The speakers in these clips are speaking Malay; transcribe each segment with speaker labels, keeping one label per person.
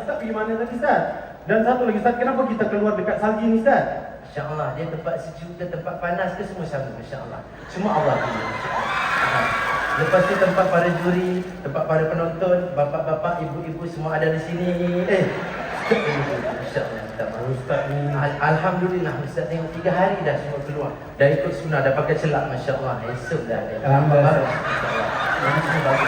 Speaker 1: Ustaz pergi mana tadi Ustaz? Dan satu lagi Ustaz, kenapa kita keluar dekat salji ni Ustaz?
Speaker 2: Masya-Allah, dia tempat sejuk ke tempat panas ke semua sama, masya-Allah. Semua Allah pilih. Lepas tu tempat para juri, tempat para penonton, bapa-bapa, ibu-ibu semua ada di sini. Masya-Allah, tak mahu Ustaz ni. Alhamdulillah Ustaz tengok 3 hari dah semua keluar. Dah ikut sunnah, dah pakai celak, masya-Allah. Esok dah ada.
Speaker 1: Alhamdulillah.
Speaker 2: Masya-Allah. Ini semua bagus.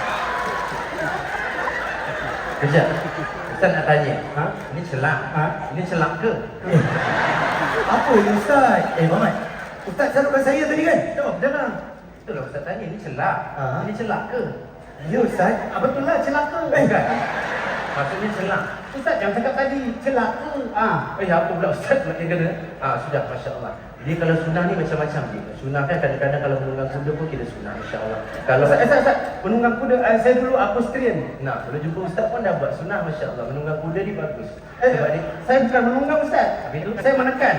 Speaker 2: Kejap. Ustaz nak tanya. Ini celak. Ini celak ke?
Speaker 1: Apa ni Ustaz?
Speaker 3: Muhammad, Ustaz salutkan saya tadi kan?
Speaker 1: Jawab jangan.
Speaker 2: Itulah Ustaz tanya, ini celak. Ini celak ke?
Speaker 3: Ya Ustaz.
Speaker 1: Betul lah celaka.
Speaker 2: Bukan. Maksudnya celak.
Speaker 1: Ustaz yang cakap tadi celaka.
Speaker 2: Apa pula Ustaz nak kena? Sudah, masya-Allah. Jadi kalau sunnah ni macam-macam dia. Sunnah kan kadang-kadang kalau menunggang kuda pun kita sunnah, masya-Allah. Kalau
Speaker 1: Ustaz, menunggang kuda, saya dulu equestrian.
Speaker 2: Nah, kalau jumpa Ustaz pun dah buat sunnah, masya-Allah. Menunggang kuda ni bagus.
Speaker 1: Sebab dia, saya bukan menunggang Ustaz.
Speaker 2: Habis tu
Speaker 1: Saya menekan.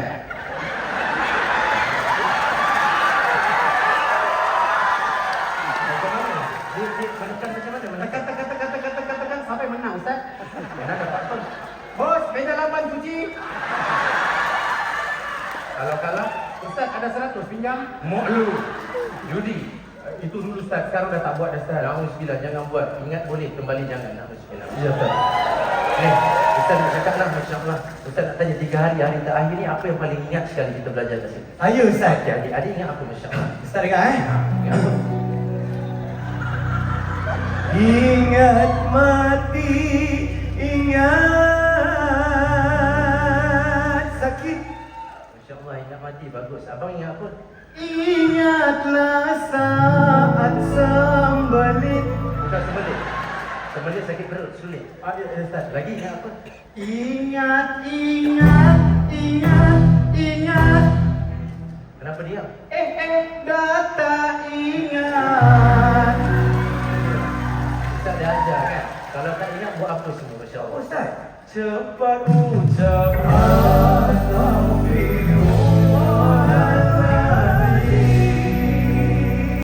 Speaker 2: Dia menekan macam mana? Menekan.
Speaker 1: Tekan sampai menang Ustaz.
Speaker 2: Mana dapat pun.
Speaker 1: Bos, meja laban cuci.
Speaker 2: Kalau kalah,
Speaker 1: Ustaz ada 100 pinjam.
Speaker 2: mok lu. Judi.
Speaker 1: Itu dulu Ustaz, sekarang dah tak buat dah Ustaz.
Speaker 2: Alhamdulillah, jangan buat. Ingat boleh, kembali jangan. Alhamdulillah.
Speaker 1: Ya Ustaz.
Speaker 2: Ustaz nak cakap lah, masya-Allah. Ustaz nak tanya 3 hari terakhir ni apa yang paling ingat sekali kita belajar kat sini?
Speaker 3: Saya Ustaz.
Speaker 2: Adik ingat apa, masya-Allah?
Speaker 3: Ustaz dengar
Speaker 2: Ingat apa?
Speaker 3: Ingat mati, ingat sakit.
Speaker 2: Masya-Allah, ingat mati bagus. Abang ingat apa?
Speaker 3: Ingatlah saat sembelit.
Speaker 2: Bukan sembelit. Sembelit sakit perut, sulit.
Speaker 1: Ya Ustaz.
Speaker 2: Lagi ingat apa?
Speaker 3: Ingat.
Speaker 2: Kenapa diam?
Speaker 3: Data ingat.
Speaker 2: Ustaz dah ajar kan? Kalau tak ingat buat apa semua, masya-Allah.
Speaker 3: Ustaz.
Speaker 1: Cepat ucap